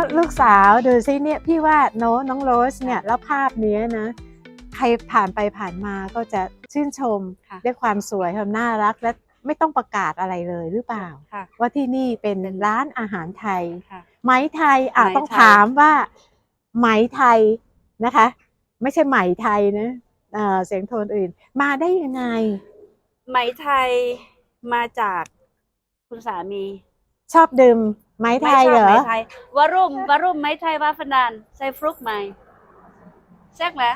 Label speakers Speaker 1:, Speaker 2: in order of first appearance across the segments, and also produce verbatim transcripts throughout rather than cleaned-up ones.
Speaker 1: ลูกสาวดูซิเนี่ยพี่ว่าโน้น้องโรสเนี่ยแล้วภาพนี้นะใครผ่านไปผ่านมาก็จะชื่นชมด้วยความสวยความน่ารักและไม่ต้องประกาศอะไรเลยหรือเปล่าว่าที่นี่เป็นร้านอาหารไทยไหมไทยอ่ะต้องถามว่าไหมไทยนะคะไม่ใช่ไหมไทยนะเอ่อเสียงโทนอื่นมาได้ยังไง
Speaker 2: ไหมไทยมาจากคุณสามี
Speaker 1: ชอบดื่มไหมไทยเหรอ
Speaker 2: ไหมไทยวารุ่มวารุ่มไหมไทยวาฟันดานใส่ฟลุกไหมแซ่กแล้ว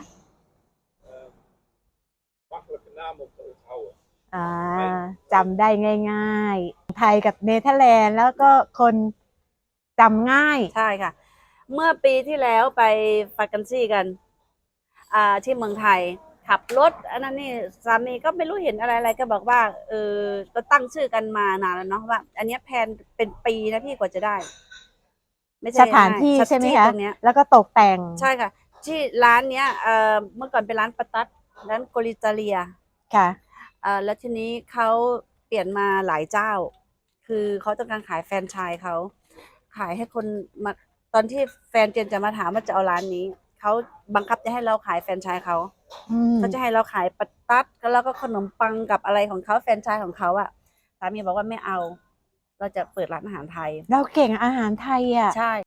Speaker 1: อ่าจำได้ง่ายๆไทยกับเนเธอร์แลนด์แล้วก็คนจำง่าย
Speaker 2: ใช่ค่ะเมื่อปีที่แล้วไปฟากันซี่กันอ่าที่เมืองไทยขับรถอันนั้นนี่สามีก็ไม่รู้เห็นอะไรอะไรก็บอกว่าเออก็ตั้งชื่อกันมานานแล้วเนาะว่าอันนี้แพนเป็นปีนะพี่กว่าจะได้
Speaker 1: ไม่ใช่สถานที่ใช่ไหมคะ
Speaker 2: ตรงเนี้ย
Speaker 1: แล้วก็ตกแต่ง
Speaker 2: ใช่ค่ะที่ร้านเนี้ยเอ่อเมื่อก่อนเป็นร้านปาตัดร้านโกลิตาเลีย
Speaker 1: ค่ะ
Speaker 2: เอ่อแล้วทีนี้เขาเปลี่ยนมาหลายเจ้าคือเขาต้องการขายแฟรนไชส์เขาขายให้คนมาตอนที่แฟนเจนจะมาถามว่าจะเอาร้านนี้เขาบังคับจะให้เราขายแฟรนไชส์เขาเขาจะให้เราขายปาตัดแล้วก็ขนมปังกับอะไรของเขาแฟรนไชส์ของเขาอะสามีบอกว่าไม่เอาเราจะเปิดร้านอาหารไทย
Speaker 1: เราเก่งอาหารไทยอ่ะ
Speaker 2: ใช่